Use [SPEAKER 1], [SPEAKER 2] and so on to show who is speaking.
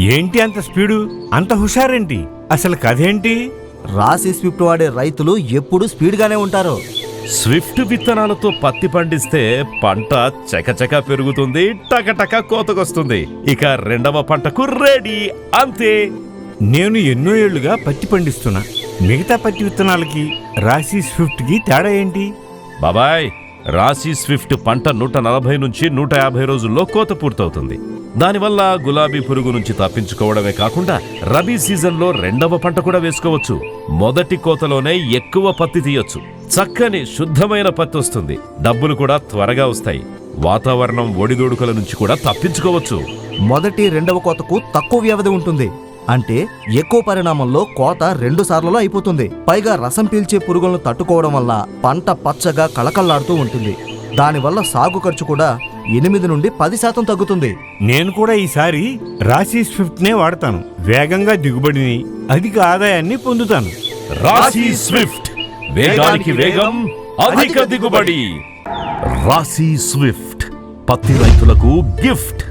[SPEAKER 1] ఏంటి అంత స్పీడు, అంత హుషారేంటి? అసలు కథేంటి?
[SPEAKER 2] రాశి స్విఫ్ట్ వాడే రైతులు ఎప్పుడూ స్పీడ్గానే ఉంటారు.
[SPEAKER 3] స్విఫ్ట్ విత్తనాలతో పత్తి పండిస్తే పంట చకచక పెరుగుతుంది, టకటక కోతకొస్తుంది. ఇక రెండవ పంటకు రెడీ, అంతే.
[SPEAKER 1] నేను ఎన్నో ఏళ్లుగా పత్తి పండిస్తున్నా. మిగతా పత్తి విత్తనాలకి రాశి స్విఫ్ట్కి తేడా ఏంటి?
[SPEAKER 3] బాబాయ్, రాశి స్విఫ్ట్ పంట 140 నుంచి 150 రోజుల్లో కోత పూర్తవుతుంది. దానివల్ల గులాబీ పురుగు నుంచి తప్పించుకోవడమే కాకుండా రబీ సీజన్లో రెండవ పంట కూడా వేసుకోవచ్చు. మొదటి కోతలోనే ఎక్కువ పత్తి తీయొచ్చు. చక్కని శుద్ధమైన పత్తి వస్తుంది. డబ్బులు కూడా త్వరగా వస్తాయి. వాతావరణం ఒడిదొడుకుల నుంచి కూడా తప్పించుకోవచ్చు.
[SPEAKER 2] మొదటి రెండవ కోతకు తక్కువ వ్యవధి ఉంటుంది. అంటే ఎక్కువ పరిణామంలో కోత 2 సార్లలో అయిపోతుంది. పైగా రసం పీల్చే పురుగులను తట్టుకోవడం వల్ల పంట పచ్చగా కళకళ్లాడుతూ ఉంటుంది. దానివల్ల సాగు ఖర్చు కూడా 8 నుండి 10% తగ్గుతుంది.
[SPEAKER 1] నేను కూడా ఈసారి రాశి స్విఫ్ట్నే వాడతాను. వేగంగా దిగుబడిని, అధిక ఆదాయాన్ని పొందుతాను.
[SPEAKER 3] రాశి స్విఫ్ట్, వేగానికి వేగం, అధిక దిగుబడి. రాశి స్విఫ్ట్, పత్తి రైతులకు గిఫ్ట్.